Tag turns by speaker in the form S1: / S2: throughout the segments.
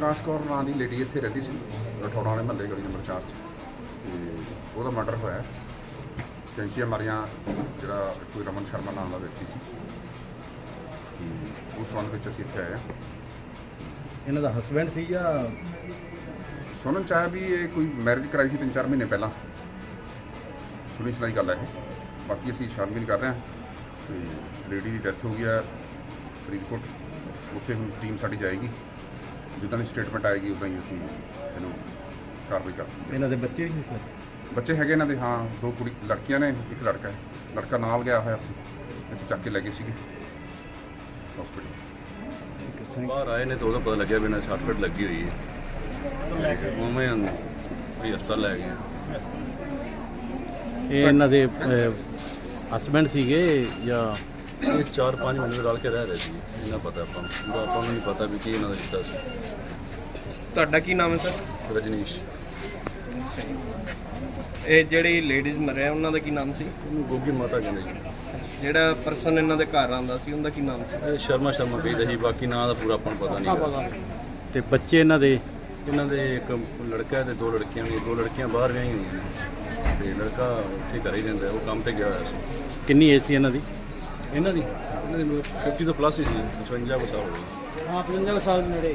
S1: ਪ੍ਰਕਾਸ਼ ਕੌਰ ਨਾਂ ਦੀ ਲੇਡੀ ਇੱਥੇ ਰਹਿੰਦੀ ਸੀ ਰਠੌੜਾ ਵਾਲੇ ਮਹੱਲੇ ਗਲੀ ਨੰਬਰ 4 'ਚ ਤੇ ਉਹਦਾ ਮਰਡਰ ਹੋਇਆ। ਕੈਂਚੀਆਂ ਮਾਰੀਆਂ ਜਿਹੜਾ ਕੋਈ ਰਮਨ ਸ਼ਰਮਾ ਨਾਮ ਦਾ ਵਿਅਕਤੀ ਸੀ ਤੇ ਉਸ ਸੰਬੰਧ ਵਿੱਚ ਅਸੀਂ ਇੱਥੇ ਆਏ ਹਾਂ।
S2: ਇਹਨਾਂ ਦਾ ਹਸਬੈਂਡ ਸੀ ਜਾਂ
S1: ਸੁਣਨ 'ਚ ਆਇਆ ਵੀ ਇਹ ਕੋਈ ਮੈਰਿਜ ਕਰਾਈ ਸੀ 3-4 ਮਹੀਨੇ ਪਹਿਲਾਂ, ਸੁਣੀ ਸੁਣਾਈ ਗੱਲ ਹੈ ਇਹ। ਬਾਕੀ ਅਸੀਂ ਛਾਣਬੀਨ ਕਰ ਰਹੇ ਹਾਂ ਤੇ ਲੇਡੀ ਦੀ ਡੈਥ ਹੋ ਗਈ ਹੈ ਫਰੀਦਕੋਟ, ਉੱਥੇ ਹੁਣ ਟੀਮ ਸਾਡੀ ਜਾਏਗੀ, ਜਿੱਦਾਂ ਦੀ ਸਟੇਟਮੈਂਟ ਆਏਗੀ ਉੱਦਾਂ ਹੀ ਅਸੀਂ ਇਹਨੂੰ ਕਾਰਵਾਈ ਕਰਾਂਗੇ।
S2: ਇਹਨਾਂ ਦੇ ਬੱਚੇ ਵੀ ਸੀ ਸਰ?
S1: ਬੱਚੇ ਹੈਗੇ ਇਹਨਾਂ ਦੇ, ਹਾਂ, 2 ਕੁੜੀ ਲੜਕੀਆਂ ਨੇ, ਇੱਕ ਲੜਕਾ ਹੈ। ਲੜਕਾ ਨਾਲ ਗਿਆ ਹੋਇਆ ਇੱਥੇ ਚੱਕ ਕੇ ਲੈ ਗਏ ਸੀਗੇ ਹਸਪੀਟਲ।
S3: ਬਾਹਰ ਆਏ ਨੇ ਤਾਂ ਉਹਦਾ ਪਤਾ ਲੱਗਿਆ ਵੀ ਇਹਨਾਂ 60 ਫੁੱਟ ਲੱਗੀ ਹੋਈ ਹੈ, ਉਵੇਂ ਵੀ ਹਸਪਤਾਲ ਲੈ ਗਏ।
S2: ਇਹ ਇਹਨਾਂ ਦੇ ਹਸਬੈਂਡ ਸੀਗੇ ਜਾਂ
S3: ਇਹ 4-5 ਮਹੀਨੇ ਰਲ ਕੇ ਰਹਿ ਰਹੇ ਸੀ, ਇਹਨਾਂ ਪਤਾ ਆਪਾਂ ਨੂੰ ਨਹੀਂ ਪਤਾ ਵੀ ਕੀ ਇਹਨਾਂ ਦਾ ਰਿਸ਼ਤਾ ਸੀ।
S4: ਤੁਹਾਡਾ ਕੀ ਨਾਮ ਹੈ ਸਰ?
S3: ਰਜਨੀਸ਼।
S4: ਇਹ ਜਿਹੜੀ ਲੇਡੀਜ਼ ਮਰਿਆ ਉਹਨਾਂ ਦਾ ਕੀ ਨਾਮ ਸੀ?
S3: ਉਹਨੂੰ ਗੋਗੀ ਮਾਤਾ ਕਹਿੰਦੇ ਜੀ।
S4: ਜਿਹੜਾ ਪਰਸਨ ਇਹਨਾਂ ਦੇ ਘਰ ਆਉਂਦਾ ਸੀ ਉਹਦਾ ਕੀ ਨਾਮ ਸੀ?
S3: ਇਹ ਸ਼ਰਮਾ ਕਹੀਦਾ ਸੀ, ਬਾਕੀ ਨਾਂ ਦਾ ਪੂਰਾ ਆਪਾਂ ਨੂੰ ਪਤਾ ਨਹੀਂ।
S2: ਤੇ ਬੱਚੇ ਇਹਨਾਂ ਦੇ
S3: ਇੱਕ ਲੜਕਾ ਤੇ 2 ਲੜਕੀਆਂ ਨੇ, 2 ਲੜਕੀਆਂ ਬਾਹਰ ਵਿਆਹੀਆਂ ਹੋਈਆਂ ਨੇ ਤੇ ਲੜਕਾ ਉੱਥੇ ਘਰੇ ਹੀ ਰਹਿੰਦਾ, ਉਹ ਕੰਮ ਤੇ ਗਿਆ ਹੋਇਆ ਸੀ।
S2: ਕਿੰਨੀ ਏਜ ਸੀ ਇਹਨਾਂ ਦੀ?
S3: ਇਹਨਾਂ ਦੀ 50 ਤੋਂ ਪਲੱਸ ਹੀ ਸੀ, 55 ਸਾਲ ਹੋ ਗਏ।
S5: ਹਾਂ 55 ਸਾਲ ਨੇੜੇ।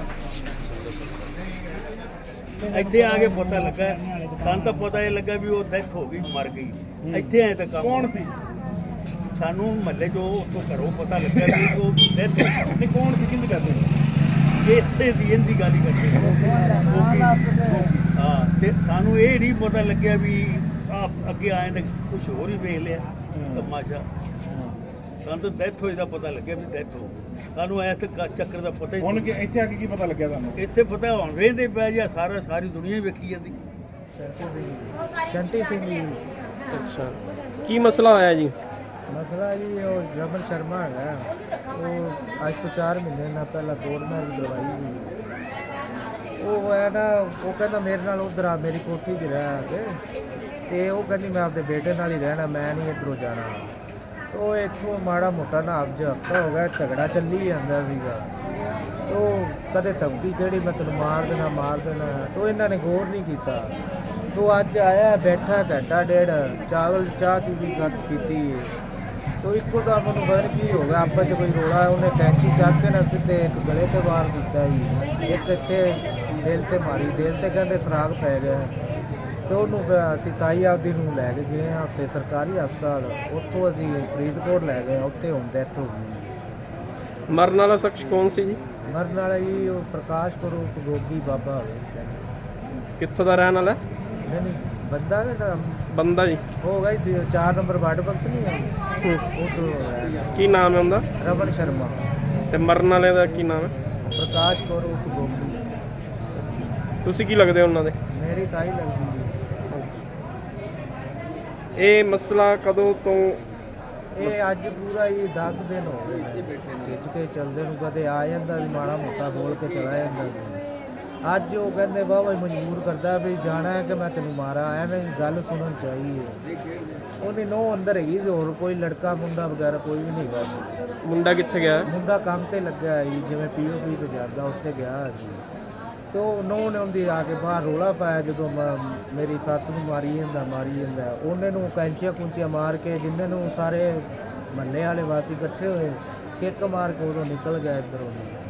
S5: ਇੱਥੇ ਆ ਕੇ ਪਤਾ ਲੱਗਾ, ਸਾਨੂੰ ਤਾਂ ਪਤਾ ਇਹ ਲੱਗਾ ਵੀ ਉਹ ਡੈਥ ਹੋ ਗਈ, ਮਰ ਗਈ। ਇੱਥੇ ਆਏ ਤਾਂ ਕੰਮ ਕੌਣ ਸੀ? ਸਾਨੂੰ ਮਹੱਲੇ ਚੋਂ ਉੱਥੋਂ ਘਰੋਂ ਪਤਾ ਲੱਗਾ ਵੀ ਉਹ ਡੈਥ ਨਹੀਂ। ਕੌਣ ਸੀ, ਕਿਹਦੀ ਕਰਦੇ ਇਸੇ ਦੀ ਇਹਦੀ ਗੱਲ ਹੀ ਕਰਦੇ। ਹਾਂ, ਤੇ ਸਾਨੂੰ ਇਹ ਨਹੀਂ ਪਤਾ ਲੱਗਿਆ ਵੀ ਅੱਗੇ ਆਏ ਤਾਂ ਕੁਝ ਹੋਰ ਹੀ ਵੇਖ ਲਿਆ ਤਮਾਸ਼ਾ। ਸਾਨੂੰ ਤਾਂ ਡੈਥ ਹੋਈ ਦਾ ਪਤਾ ਲੱਗਿਆ ਵੀ ਡੈਥ ਹੋ ਗਈ। ਸਾਨੂੰ ਐਸ ਚੱਕਰ ਦਾ ਪਤਾ ਹੀ
S6: ਹੁਣ ਇੱਥੇ ਆ ਕੇ ਕੀ ਪਤਾ ਲੱਗਿਆ ਤੁਹਾਨੂੰ?
S5: ਇੱਥੇ ਪਤਾ ਹੁਣ ਵੇਖਦੇ ਪਿਆ ਜੀ, ਸਾਰੀ ਦੁਨੀਆ ਹੀ ਵੇਖੀ ਜਾਂਦੀ।
S6: ਸ਼ੰਟੀ ਸਿੰਘ ਜੀ।
S4: ਅੱਛਾ, ਕੀ ਮਸਲਾ ਹੋਇਆ ਜੀ?
S6: ਮਸਲਾ ਜੀ ਉਹ ਰਮਨ ਸ਼ਰਮਾ ਹੈਗਾ, ਉਹ ਅੱਜ ਤੋਂ 4 ਮਹੀਨੇ ਨਾਲ ਪਹਿਲਾਂ ਕੋਰਟ ਮੈਰਿਜ ਕਰਵਾਈ ਸੀ। ਉਹ ਹੈ ਨਾ, ਉਹ ਕਹਿੰਦਾ ਮੇਰੇ ਨਾਲ ਉਧਰ ਆ, ਮੇਰੀ ਕੋਠੀ 'ਚ ਰਹਿ ਕੇ, ਤੇ ਉਹ ਕਹਿੰਦੀ ਮੈਂ ਆਪਦੇ ਬੇਟੇ ਨਾਲ ਹੀ ਰਹਿਣਾ, ਮੈਂ ਨਹੀਂ ਇੱਧਰੋਂ ਜਾਣਾ। ਉਹ ਇੱਥੋਂ ਮਾੜਾ ਮੋਟਾ ਨਾ ਹਫ਼ਤਾ ਹੋ ਗਿਆ ਝਗੜਾ ਚੱਲੀ ਜਾਂਦਾ ਸੀਗਾ। ਤੋ ਕਦੇ ਧਮਕੀ ਕਿਹੜੀ ਮੈਂ ਤੈਨੂੰ ਮਾਰ ਦੇਣਾ, ਤੋ ਇਹਨਾਂ ਨੇ ਗੌਰ ਨਹੀਂ ਕੀਤਾ। ਤੋ ਅੱਜ ਆਇਆ, ਬੈਠਾ ਘੰਟਾ ਡੇਢ, ਚਾਹ ਚੂ ਵੀ ਕੀਤੀ। ਤੋ ਇੱਕੋ ਦਾ ਮੈਨੂੰ ਪਤਾ ਨਹੀਂ ਕੀ ਹੋ ਗਿਆ, ਆਪਸ 'ਚ ਕੋਈ ਰੋਲਾ, ਉਹਨੇ ਕੈਂਚੀ ਚੱਕ ਕੇ ਨਾ ਸਿੱਧੇ ਇੱਕ ਗਲੇ 'ਤੇ ਵਾਰ ਕੀਤਾ ਜੀ, ਇੱਕ ਇੱਥੇ ਦਿਲ 'ਤੇ ਮਾਰੀ, ਦਿਲ 'ਤੇ ਕਹਿੰਦੇ ਸਰਾਗ ਪੈ ਗਿਆ। ਤੇ ਉਹਨੂੰ ਅਸੀਂ ਤਾਈ ਆਪਦੀ ਨੂੰ ਲੈ ਕੇ ਗਏ ਹਾਂ ਉੱਥੇ ਸਰਕਾਰੀ ਹਸਪਤਾਲ, ਉੱਥੋਂ ਅਸੀਂ ਫਰੀਦਕੋਟ ਲੈ ਗਏ, ਉੱਥੇ ਹੁਣ ਡੈਥ ਹੋ ਗਈ।
S4: ਮਰਨ ਵਾਲਾ ਸ਼ਖਸ ਕੌਣ ਸੀ ਜੀ?
S6: ਮਰਨ ਵਾਲਾ ਜੀ ਉਹ ਪ੍ਰਕਾਸ਼ ਕਰੋ ਗੋਗੀ ਬਾਬਾ ਹੋਵੇ।
S4: ਕਿੱਥੋਂ ਦਾ ਰਹਿਣ ਵਾਲਾ?
S6: ਨਹੀਂ ਬੰਦਾ
S4: ਬੰਦਾ ਜੀ
S6: ਹੋ ਗਿਆ 4 ਨੰਬਰ ਵਾਰਡ ਬਕਸ ਨਹੀਂ ਹੈ, ਉਹ ਤੋਂ
S4: ਕੀ ਨਾਮ ਹੈ ਉਹਦਾ?
S6: ਰਮਨ ਸ਼ਰਮਾ।
S4: ਤੇ ਮਰਨ ਵਾਲੇ ਦਾ ਕੀ ਨਾਮ ਹੈ?
S6: ਪ੍ਰਕਾਸ਼ ਕਰੋ ਗੋਗੀ।
S4: ਤੁਸੀਂ ਕੀ ਲੱਗਦੇ ਹੋ ਉਹਨਾਂ ਦੇ?
S6: ਮੇਰੀ ਤਾਈ ਲੱਗਦੀ ਜੀ।
S4: ਇਹ ਮਸਲਾ ਕਦੋਂ ਤੋਂ?
S6: ਇਹ ਅੱਜ ਪੂਰਾ ਹੀ 10 ਦਿਨ ਹੋ ਗਏ ਖਿੱਚ ਕੇ ਚੱਲਦੇ ਨੂੰ, ਕਦੇ ਆ ਜਾਂਦਾ ਸੀ ਮਾੜਾ ਮੋਟਾ ਬੋਲ ਕੇ ਚਲਾ ਜਾਂਦਾ ਸੀ। ਅੱਜ ਉਹ ਕਹਿੰਦੇ ਵਾਹ ਮਜਬੂਰ ਕਰਦਾ ਵੀ ਜਾਣਾ ਹੈ ਕਿ ਮੈਂ ਤੈਨੂੰ ਮਾਰਾਂ, ਐਵੇਂ ਗੱਲ ਸੁਣਨ ਚਾਹੀਏ। ਉਹਦੀ ਨਹੁੰ ਅੰਦਰ ਹੈਗੀ, ਹੋਰ ਕੋਈ ਲੜਕਾ ਮੁੰਡਾ ਵਗੈਰਾ ਕੋਈ ਵੀ ਨਹੀਂ ਗਾ।
S4: ਮੁੰਡਾ ਕਿੱਥੇ ਗਿਆ?
S6: ਮੁੰਡਾ ਕੰਮ ਤੇ ਲੱਗਿਆ ਜੀ, ਜਿਵੇਂ POP ਤੇ ਜਾਂਦਾ, ਉੱਥੇ ਗਿਆ ਸੀ। ਤੇ ਉਹ ਨਹੁੰ ਨੇ ਉਹਦੀ ਆ ਕੇ ਬਾਹਰ ਰੋਲਾ ਪਾਇਆ, ਜਦੋਂ ਮੇਰੀ ਸੱਸ ਨੂੰ ਮਾਰੀ ਜਾਂਦਾ। ਉਹਨੇ ਨੂੰ ਕੈਂਚੀਆਂ ਮਾਰ ਕੇ, ਜਿੰਨੇ ਨੂੰ ਸਾਰੇ ਮਹੱਲੇ ਵਾਲੇ ਵਾਸੀ ਇਕੱਠੇ ਹੋਏ, ਕਿੱਕ ਮਾਰ ਕੇ ਉਦੋਂ ਨਿਕਲ ਗਿਆ ਇੱਧਰੋਂ।